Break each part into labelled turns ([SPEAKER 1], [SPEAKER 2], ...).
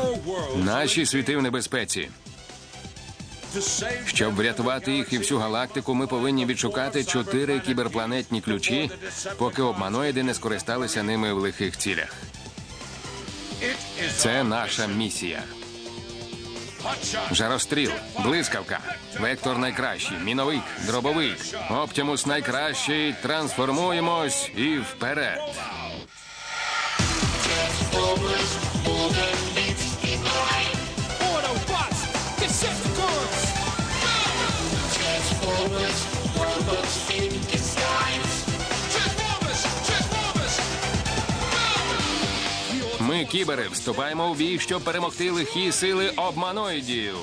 [SPEAKER 1] Наші світи в небезпеці. Щоб врятувати їх і всю галактику, ми повинні відшукати 4 кіберпланетні ключі, поки обманоїди не скористалися ними в лихих цілях. Це наша місія. Жаростріл, блискавка, вектор найкращий, міновик, дробовик, Оптимус найкращий, трансформуємось і вперед. Ми, кібери, вступаємо в бій, щоб перемогти лихі сили обманоїдів.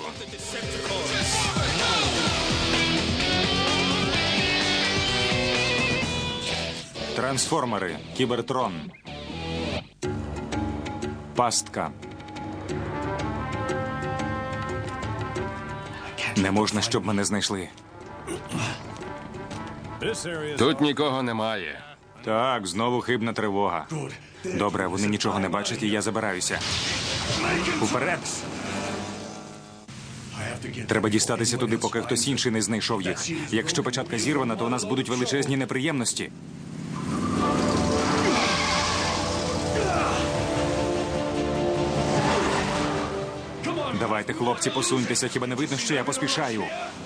[SPEAKER 2] Трансформери. Кібертрон. Пастка. Не можна, щоб мене знайшли.
[SPEAKER 1] Тут нікого немає.
[SPEAKER 2] Так, знову хибна тривога. Добре, вони нічого не бачать, і я забираюся. Уперед! Треба дістатися туди, поки хтось інший не знайшов їх. Якщо печатка зірвана, то у нас будуть величезні неприємності. Давайте, хлопці, посуньтеся, хіба не видно, що я поспішаю?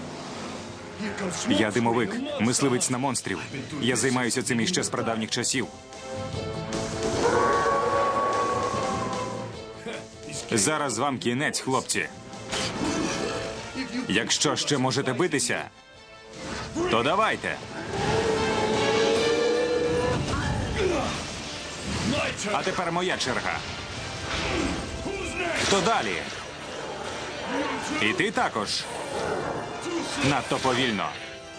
[SPEAKER 2] Я димовик, мисливець на монстрів. Я займаюся цим іще з прадавніх часів. Зараз вам кінець, хлопці. Якщо ще можете битися, то давайте. А тепер моя черга. Хто далі? І ти також. Надто повільно.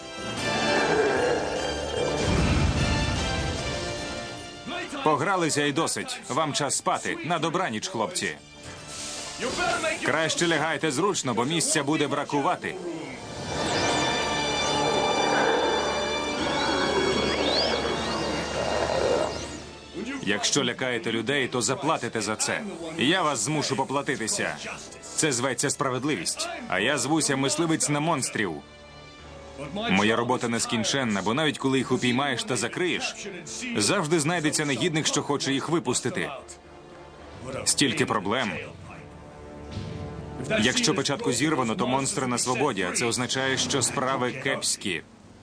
[SPEAKER 2] Погралися і досить. Вам час спати. На добраніч, хлопці. Краще лягайте зручно, бо місця буде бракувати. Якщо лякаєте людей, то заплатите за це. Я вас змушу поплатитися. Це зветься справедливість. А я звуся мисливець на монстрів. Моя робота нескінченна, бо навіть коли їх упіймаєш та закриєш, завжди знайдеться негідник, що хоче їх випустити. Стільки проблем. Якщо печатку зірвано, то монстри на свободі, а це означає, що справи кепські.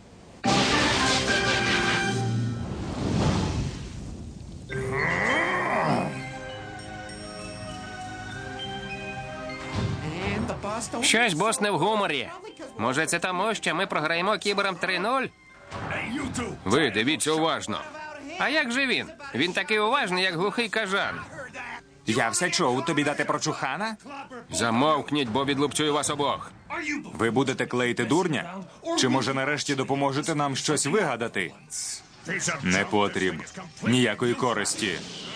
[SPEAKER 1] Щось бос не в гуморі. Може, це тому, що ми програємо кіберам 3-0? Ви дивіться уважно. А як же він? Він такий уважний, як глухий кажан.
[SPEAKER 2] Я все чув. Тобі дати прочухана?
[SPEAKER 1] Замовкніть, бо відлупцюю вас обох.
[SPEAKER 2] Ви будете клеїти дурня? Чи, може, нарешті допоможете нам щось вигадати? Не потріб. Ніякої користі.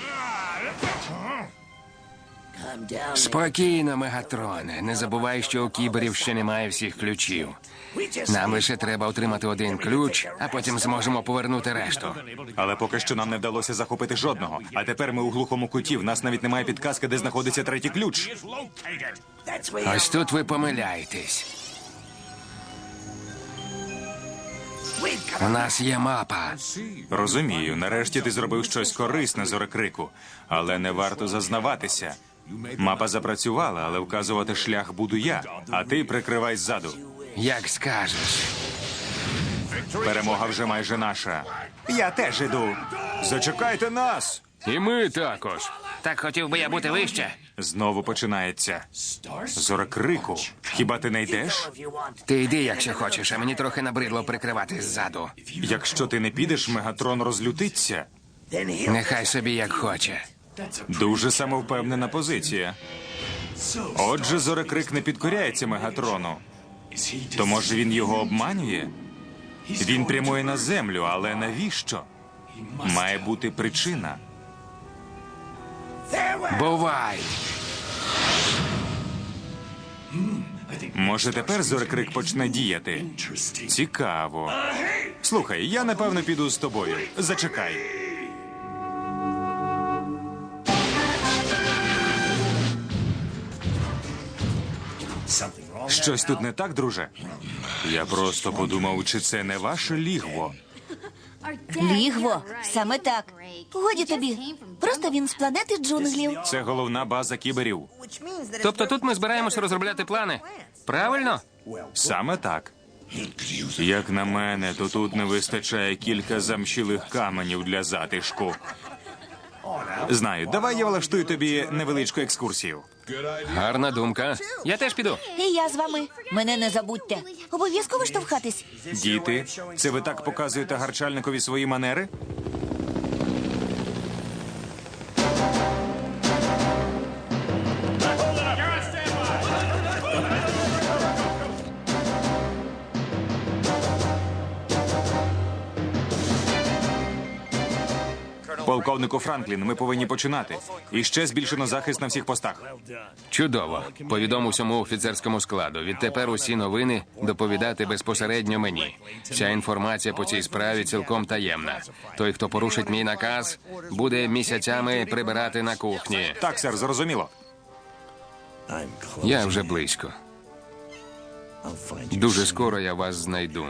[SPEAKER 1] Спокійно, Мегатроне. Не забувай, що у кіберів ще немає всіх ключів. Нам лише треба отримати один ключ, а потім зможемо повернути решту.
[SPEAKER 2] Але поки що нам не вдалося захопити жодного. А тепер ми у глухому куті. В нас навіть немає підказки, де знаходиться третій ключ.
[SPEAKER 1] Ось тут ви помиляєтесь. У нас є мапа.
[SPEAKER 2] Розумію. Нарешті ти зробив щось корисне, Зорекрику. Але не варто зазнаватися. Мапа запрацювала, але вказувати шлях буду я. А ти прикривай ззаду.
[SPEAKER 1] Як скажеш.
[SPEAKER 2] Перемога вже майже наша. Я теж іду. Зачекайте нас!
[SPEAKER 1] І ми також. Так хотів би я бути вище.
[SPEAKER 2] Знову починається. Зорекрику, хіба ти не йдеш?
[SPEAKER 1] Ти йди, якщо хочеш, а мені трохи набридло прикривати ззаду.
[SPEAKER 2] Якщо ти не підеш, Мегатрон розлютиться.
[SPEAKER 1] Нехай собі як хоче.
[SPEAKER 2] Дуже самовпевнена позиція. Отже, Зорекрик не підкоряється Мегатрону. То, може, він його обманює? Він прямує на землю, але навіщо? Має бути причина.
[SPEAKER 1] Бувай!
[SPEAKER 2] Може, тепер Зорекрик почне діяти? Цікаво. Слухай, я, напевно, піду з тобою. Зачекай. Щось тут не так, друже? Я просто подумав, чи це не ваше лігво.
[SPEAKER 3] Лігво, саме так. Годі тобі. Просто він з планети джунглів.
[SPEAKER 2] Це головна база кіберів.
[SPEAKER 1] Тобто тут ми збираємося розробляти плани. Правильно?
[SPEAKER 2] Саме так. Як на мене, то тут не вистачає кілька замшілих каменів для затишку. Знаю, давай я влаштую тобі невеличку екскурсію.
[SPEAKER 1] Гарна думка. Я теж піду.
[SPEAKER 3] І я з вами. Мене не забудьте. Обов'язково штовхатись.
[SPEAKER 2] Діти, це ви так показуєте гарчальникові свої манери? Полковнику Франклін, ми повинні починати. І ще збільшено захист на всіх постах.
[SPEAKER 1] Чудово. Повідом усьому офіцерському складу. Відтепер усі новини доповідати безпосередньо мені. Вся інформація по цій справі цілком таємна. Той, хто порушить мій наказ, буде місяцями прибирати на кухні.
[SPEAKER 2] Так, сер, зрозуміло.
[SPEAKER 1] Я вже близько. Дуже скоро я вас знайду.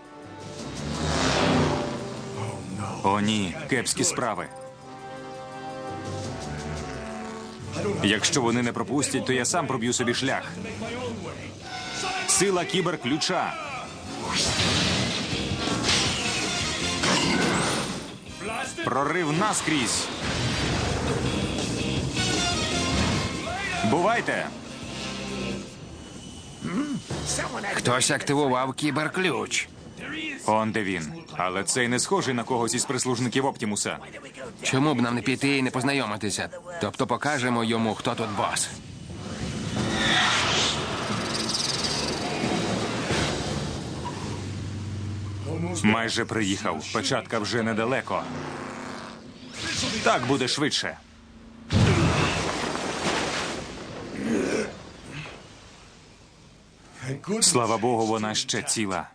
[SPEAKER 2] О, ні, кепські справи. Якщо вони не пропустять, то я сам проб'ю собі шлях. Сила кіберключа. Прорив наскрізь. Бувайте!
[SPEAKER 1] Хтось активував кіберключ.
[SPEAKER 2] Он де він. Але цей не схожий на когось із прислужників Оптімуса.
[SPEAKER 1] Чому б нам не піти і не познайомитися? Тобто покажемо йому, хто тут бос.
[SPEAKER 2] Майже приїхав. Печатка вже недалеко. Так буде швидше. Слава Богу, вона ще ціла.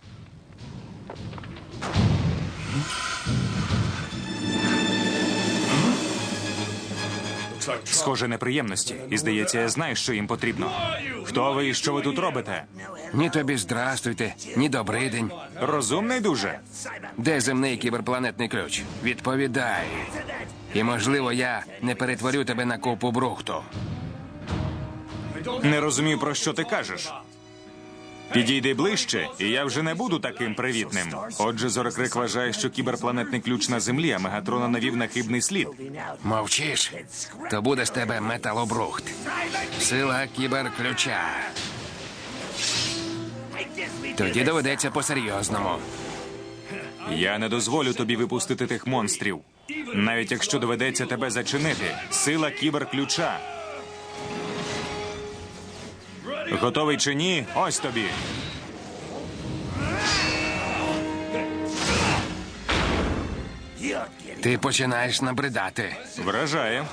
[SPEAKER 2] Схоже, неприємності. І, здається, я знаю, що їм потрібно. Хто ви і що ви тут робите?
[SPEAKER 1] Ні тобі здрастуйте, ні добрий день.
[SPEAKER 2] Розумний дуже.
[SPEAKER 1] Де земний кіберпланетний ключ? Відповідай. І, можливо, я не перетворю тебе на купу брухту.
[SPEAKER 2] Не розумію, про що ти кажеш. Підійди ближче, і я вже не буду таким привітним. Отже, Зорекрик вважає, що кіберпланетний ключ на землі, а Мегатрона навів на хибний слід.
[SPEAKER 1] Мовчиш? То буде з тебе металобрухт. Сила кіберключа. Тоді доведеться по-серйозному.
[SPEAKER 2] Я не дозволю тобі випустити тих монстрів. Навіть якщо доведеться тебе зачинити. Сила кіберключа. Готовий чи ні? Ось тобі.
[SPEAKER 1] Ти починаєш набридати.
[SPEAKER 2] Вражає.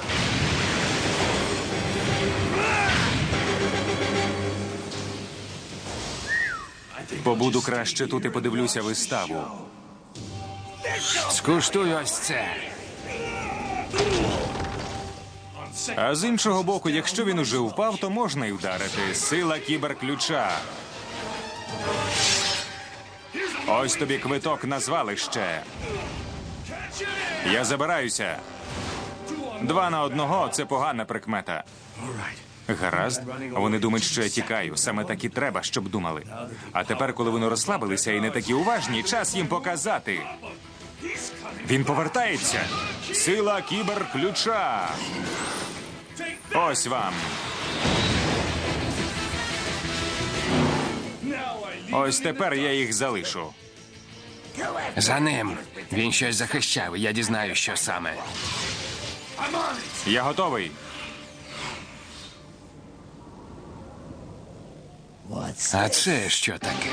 [SPEAKER 2] Побуду краще тут і подивлюся виставу.
[SPEAKER 1] Скуштуй ось це.
[SPEAKER 2] А з іншого боку, якщо він уже впав, то можна й вдарити. Сила кіберключа. Ось тобі квиток на звалище. Я забираюся. 2 на 1 – це погана прикмета. Гаразд. Вони думають, що я тікаю. Саме так і треба, щоб думали. А тепер, коли вони розслабилися і не такі уважні, час їм показати. Він повертається. Сила кіберключа. Ось вам. Ось тепер я їх залишу.
[SPEAKER 1] За ним. Він щось захищав, і я дізнаю, що саме.
[SPEAKER 2] Я готовий.
[SPEAKER 1] А це що таке?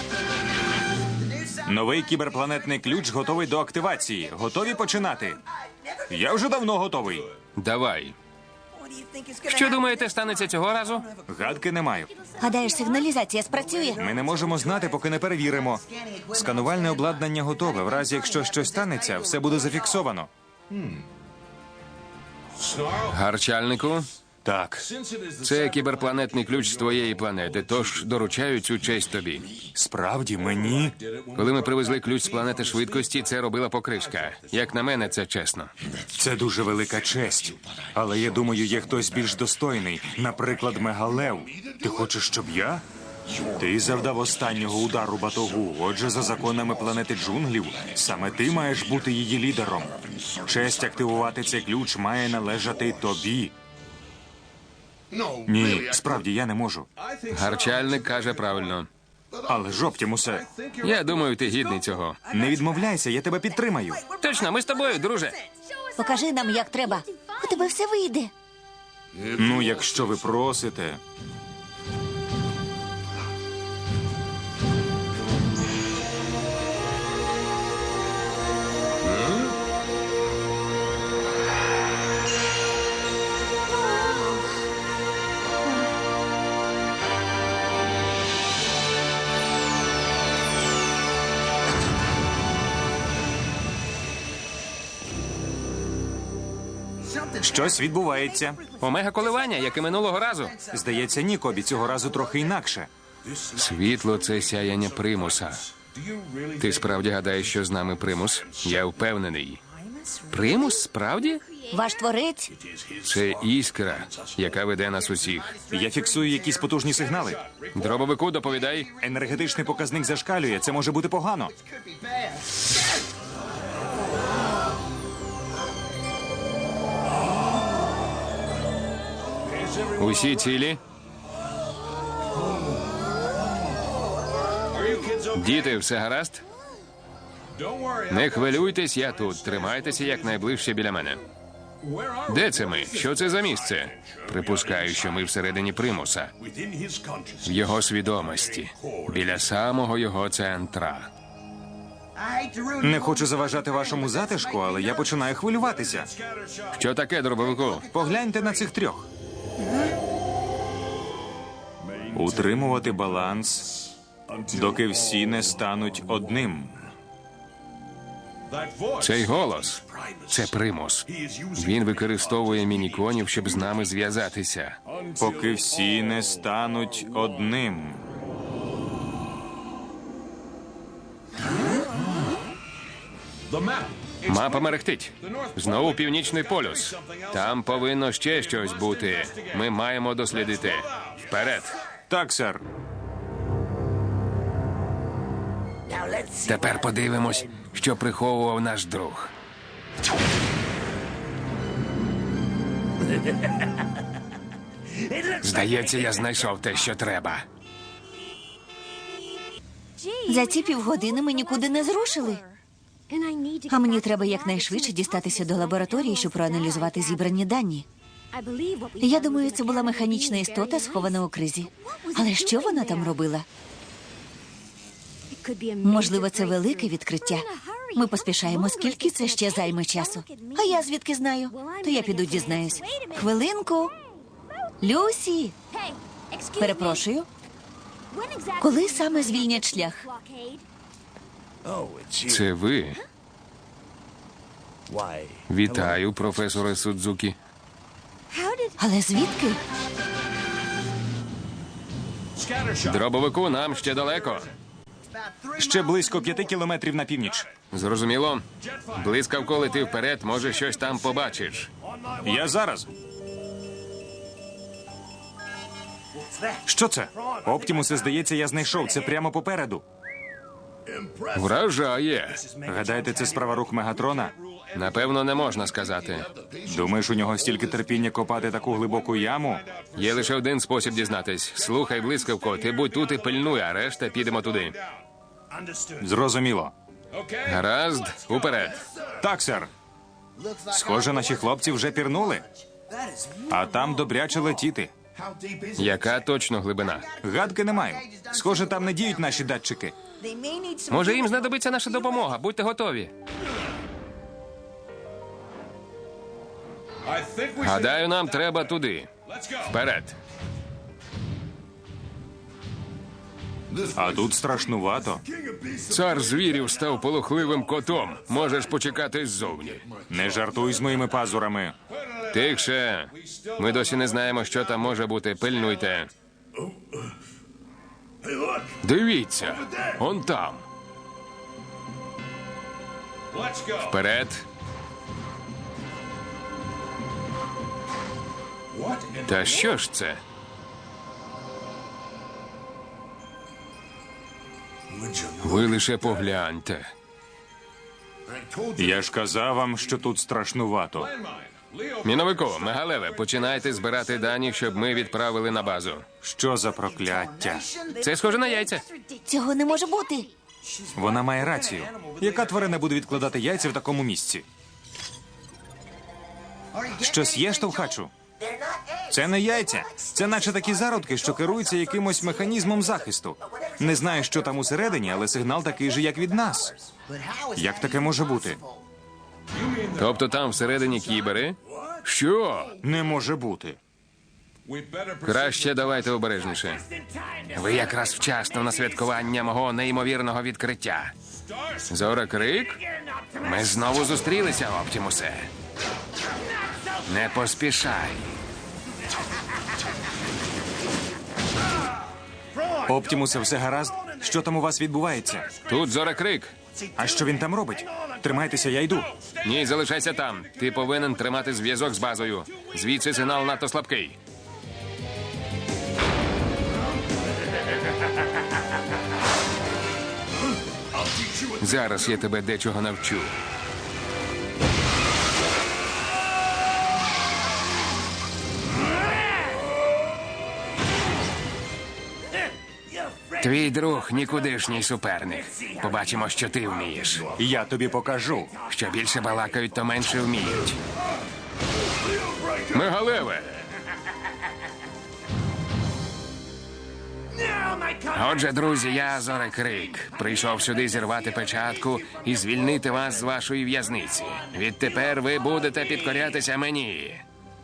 [SPEAKER 2] Новий кіберпланетний ключ готовий до активації. Готові починати? Я вже давно готовий.
[SPEAKER 1] Давай. Що думаєте, станеться цього разу?
[SPEAKER 2] Гадки не маю.
[SPEAKER 3] Гадаєш, сигналізація спрацює?
[SPEAKER 2] Ми не можемо знати, поки не перевіримо. Сканувальне обладнання готове. В разі, якщо щось станеться, все буде зафіксовано.
[SPEAKER 1] Гарчальнику,
[SPEAKER 2] Так,
[SPEAKER 1] Це кіберпланетний ключ з твоєї планети, тож доручаю цю честь тобі.
[SPEAKER 2] справді мені.
[SPEAKER 1] Коли ми привезли ключ з планети швидкості, це робила покришка. Як на мене, це чесно.
[SPEAKER 2] Це дуже велика честь. Але я думаю, є хтось більш достойний. Наприклад, Мегалев. Ти хочеш, щоб я? Ти завдав останнього удару батогу. Отже, за законами планети джунглів, саме ти маєш бути її лідером. Честь активувати цей ключ має належати тобі. Ні, справді я не можу.
[SPEAKER 1] Гарчальник каже правильно.
[SPEAKER 2] Але ж, Оптімусе,
[SPEAKER 1] Я думаю, ти гідний цього.
[SPEAKER 2] не відмовляйся, я тебе підтримаю.
[SPEAKER 1] Точно, ми з тобою, друже.
[SPEAKER 3] Покажи нам, як треба. У тебе все вийде.
[SPEAKER 2] Ну, якщо ви просите. Щось відбувається.
[SPEAKER 1] Омега коливання, як і минулого разу.
[SPEAKER 2] Здається, ні, Кобі, цього разу трохи інакше.
[SPEAKER 1] Світло – це сяяння примуса. Ти справді гадаєш, що з нами примус? Я впевнений. Примус, справді?
[SPEAKER 3] Ваш творець?
[SPEAKER 1] Це іскра, яка веде нас усіх.
[SPEAKER 2] Я фіксую якісь потужні сигнали.
[SPEAKER 1] Дробовику, доповідай.
[SPEAKER 2] Енергетичний показник зашкалює, це може бути погано.
[SPEAKER 1] Усі цілі? Діти, все гаразд? Не хвилюйтесь, я тут. Тримайтеся якнайближче біля мене. Де це ми? Що це за місце? Припускаю, що ми всередині примуса. В його свідомості. Біля самого його центра.
[SPEAKER 2] Не хочу заважати вашому затишку, але я починаю хвилюватися.
[SPEAKER 1] Що таке, дробовику?
[SPEAKER 2] Погляньте на цих трьох. Утримувати баланс, доки всі не стануть одним.
[SPEAKER 1] Цей голос – це примус. Він використовує мініконів, щоб з нами зв'язатися.
[SPEAKER 2] Поки всі не стануть одним.
[SPEAKER 1] Мапа мерехтить. Знову північний полюс. Там повинно ще щось бути. Ми маємо дослідити. Вперед.
[SPEAKER 2] Так, сер.
[SPEAKER 1] Тепер подивимось, що приховував наш друг. Здається, я знайшов те, що треба.
[SPEAKER 3] За ці півгодини ми нікуди не зрушили. А мені треба якнайшвидше дістатися до лабораторії, щоб проаналізувати зібрані дані. Я думаю, це була механічна істота, схована у кризі. Але що вона там робила? Можливо, це велике відкриття. Ми поспішаємо, скільки це ще займе часу. А я звідки знаю? То я піду дізнаюсь. Хвилинку. Люсі, перепрошую. Коли саме звільнять шлях?
[SPEAKER 1] Це ви? Вітаю, професоре Судзукі.
[SPEAKER 3] Але звідки?
[SPEAKER 1] Дробовику, нам ще далеко.
[SPEAKER 2] Ще близько 5 кілометрів на північ.
[SPEAKER 1] Зрозуміло? Блискавко лети вперед, може, щось там побачиш.
[SPEAKER 2] Я зараз. Що це? Оптімусе, здається, я знайшов. Це прямо попереду.
[SPEAKER 1] Вражає.
[SPEAKER 2] Гадаєте, це справа рук Мегатрона?
[SPEAKER 1] Напевно, не можна сказати.
[SPEAKER 2] Думаєш, у нього стільки терпіння копати таку глибоку яму?
[SPEAKER 1] Є лише один спосіб дізнатись. Слухай, блискавко, ти будь тут і пильнуй, а решта підемо туди.
[SPEAKER 2] Зрозуміло.
[SPEAKER 1] Гаразд, уперед.
[SPEAKER 2] Так, сер. Схоже, наші хлопці вже пірнули. А там добряче летіти.
[SPEAKER 1] Яка точно глибина?
[SPEAKER 2] Гадки не маю. Схоже, там не діють наші датчики.
[SPEAKER 1] Може, їм знадобиться наша допомога. Будьте готові. Гадаю, нам треба туди. Вперед.
[SPEAKER 2] А тут страшнувато.
[SPEAKER 1] Цар звірів став полохливим котом. Можеш почекати ззовні.
[SPEAKER 2] Не жартуй з моїми пазурами.
[SPEAKER 1] Тихше. Ми досі не знаємо, що там може бути. Пильнуйте. Дивіться, он там. Вперед. Та що ж це? Ви лише погляньте.
[SPEAKER 2] Я ж казав вам, що тут страшнувато.
[SPEAKER 1] Міновику, Мегалеве, починайте збирати дані, щоб ми відправили на базу.
[SPEAKER 2] Що за прокляття?
[SPEAKER 1] Це схоже на яйця.
[SPEAKER 3] Цього не може бути.
[SPEAKER 2] Вона має рацію. Яка тварина буде відкладати яйця в такому місці? Щось є, штовхачу? Це не яйця. Це наче такі зародки, що керуються якимось механізмом захисту. Не знаю, що там усередині, але сигнал такий же, як від нас. Як таке може бути?
[SPEAKER 1] Тобто там всередині кібери? Що?
[SPEAKER 2] Не може бути.
[SPEAKER 1] Краще давайте обережніше. Ви якраз вчасно на святкування мого неймовірного відкриття. Зорокрик? Ми знову зустрілися, Оптімусе. Не поспішай.
[SPEAKER 2] Оптімусе, все гаразд? Що там у вас відбувається?
[SPEAKER 1] Тут Зорокрик.
[SPEAKER 2] А що він там робить? Тримайтеся, я йду.
[SPEAKER 1] Ні, залишайся там. Ти повинен тримати зв'язок з базою. Звідси сигнал надто слабкий. Зараз я тебе дечого навчу. Твій друг нікудишній суперник. Побачимо, що ти вмієш.
[SPEAKER 2] Я тобі покажу.
[SPEAKER 1] Що більше балакають, то менше вміють. Мегалеве! Отже, друзі, я Зорокрик. Прийшов сюди зірвати печатку і звільнити вас з вашої в'язниці. Відтепер ви будете підкорятися мені.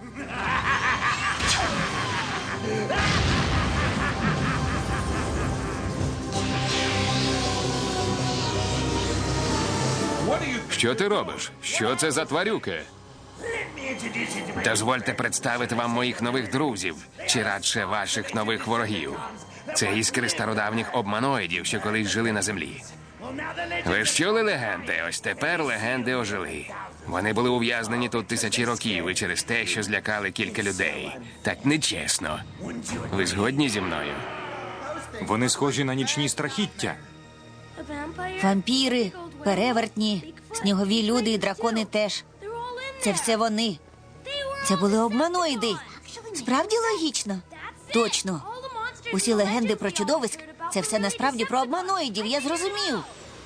[SPEAKER 1] Що ти робиш? Що це за тварюки? Дозвольте представити вам моїх нових друзів, чи радше ваших нових ворогів. Це іскри стародавніх обманоїдів, що колись жили на землі. Ви ж чули легенди? Ось тепер легенди ожили. Вони були ув'язнені тут тисячі років і через те, що злякали кілька людей. Так нечесно. Ви згодні зі мною?
[SPEAKER 2] Вони схожі на нічні страхіття.
[SPEAKER 3] Вампіри, перевертні, снігові люди і дракони теж. Це все вони. Це були обманоїди. Справді логічно? Точно. Усі легенди про чудовиськ – це все насправді про обманоїдів, я зрозумів.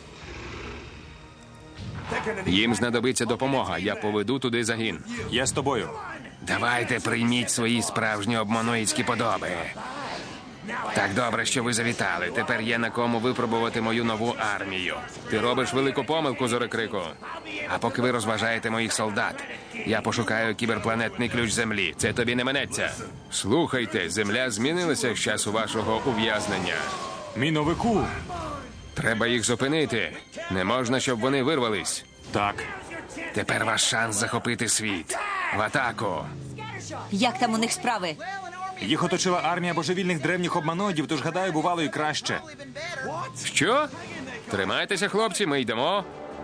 [SPEAKER 1] Їм знадобиться допомога. Я поведу туди загін.
[SPEAKER 2] Я з тобою.
[SPEAKER 1] Давайте прийміть свої справжні обманоїдські подоби. Так добре, що ви завітали. Тепер є на кому випробувати мою нову армію. Ти робиш велику помилку, Зорокрику. А поки ви розважаєте моїх солдат, я пошукаю кіберпланетний ключ Землі. Це тобі не минеться. Слухайте, Земля змінилася з часу вашого ув'язнення.
[SPEAKER 2] Міновику.
[SPEAKER 1] Треба їх зупинити. Не можна, щоб вони вирвались.
[SPEAKER 2] Так.
[SPEAKER 1] Тепер ваш шанс захопити світ. В атаку.
[SPEAKER 3] Як там у них справи?
[SPEAKER 2] Їх оточила армія божевільних древніх обманоїдів, тож, гадаю, бувало і краще.
[SPEAKER 1] Що? Тримайтеся, хлопці, ми йдемо.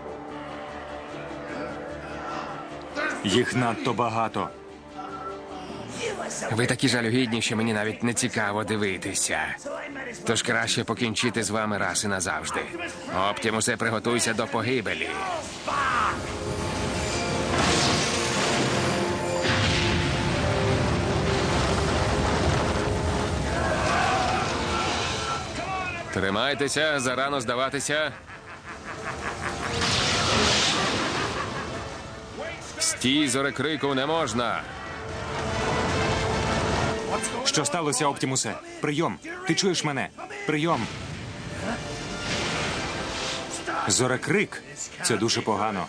[SPEAKER 2] Їх надто багато.
[SPEAKER 1] Ви такі жалюгідні, що мені навіть не цікаво дивитися. Тож краще покінчити з вами раз і назавжди. Оптімусе, приготуйся до погибелі. Тримайтеся, зарано здаватися. Стій, Зорокрику, не можна.
[SPEAKER 2] Що сталося, Оптімусе? Прийом. Ти чуєш мене? Прийом. Зорокрик. Це дуже погано.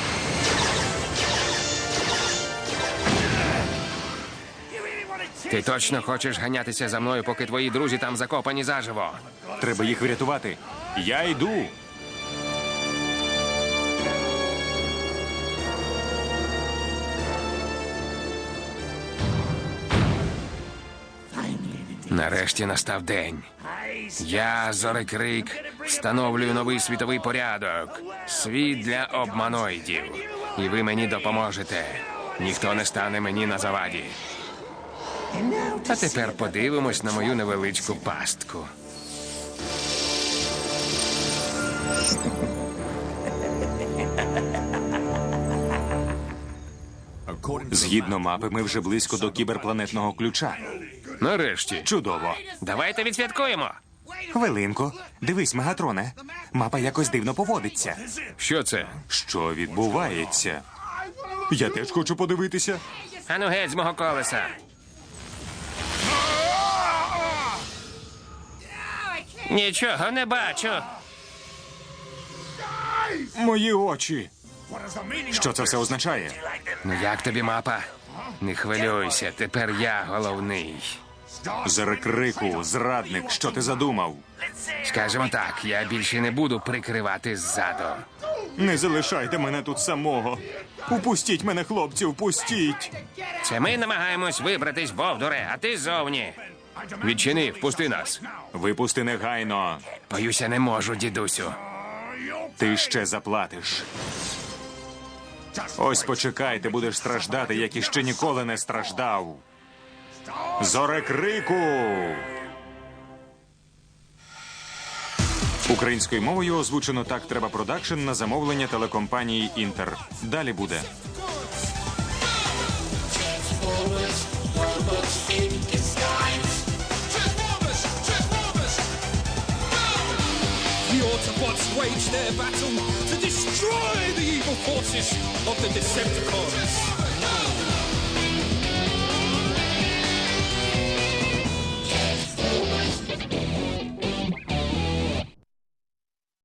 [SPEAKER 1] Ти точно хочеш ганятися за мною, поки твої друзі там закопані заживо?
[SPEAKER 2] Треба їх врятувати. Я йду.
[SPEAKER 1] Нарешті настав день. Я, Зорекрик, встановлюю новий світовий порядок. Світ для обманоїдів. І ви мені допоможете. Ніхто не стане мені на заваді. А тепер подивимось на мою невеличку пастку.
[SPEAKER 2] Згідно мапи, ми вже близько до кіберпланетного ключа.
[SPEAKER 1] Нарешті.
[SPEAKER 2] Чудово.
[SPEAKER 1] Давайте відсвяткуємо.
[SPEAKER 2] Хвилинку. Дивись, Мегатроне. Мапа якось дивно поводиться.
[SPEAKER 1] Що це?
[SPEAKER 2] Що відбувається? Я теж хочу подивитися.
[SPEAKER 1] Ану геть з мого колеса. Нічого не бачу.
[SPEAKER 2] Мої очі. Що це все означає?
[SPEAKER 1] Ну як тобі мапа? Не хвилюйся, тепер я головний.
[SPEAKER 2] Зорекрику, зрадник, що ти задумав?
[SPEAKER 1] Скажемо так, я більше не буду прикривати ззаду.
[SPEAKER 2] Не залишайте мене тут самого. Упустіть мене, хлопці, упустіть.
[SPEAKER 1] Це ми намагаємось вибратись, Бовдуре, а ти ззовні. Відчини, впусти нас.
[SPEAKER 2] Випусти негайно.
[SPEAKER 1] Боюся, не можу, дідусю.
[SPEAKER 2] Ти ще заплатиш. Ось почекай, ти будеш страждати, як іще ніколи не страждав. Зорекрику! Українською мовою озвучено «Так треба продакшн» на замовлення телекомпанії «Інтер». Далі буде.
[SPEAKER 4] The Autobots wage their battle to destroy the evil forces of the Decepticons.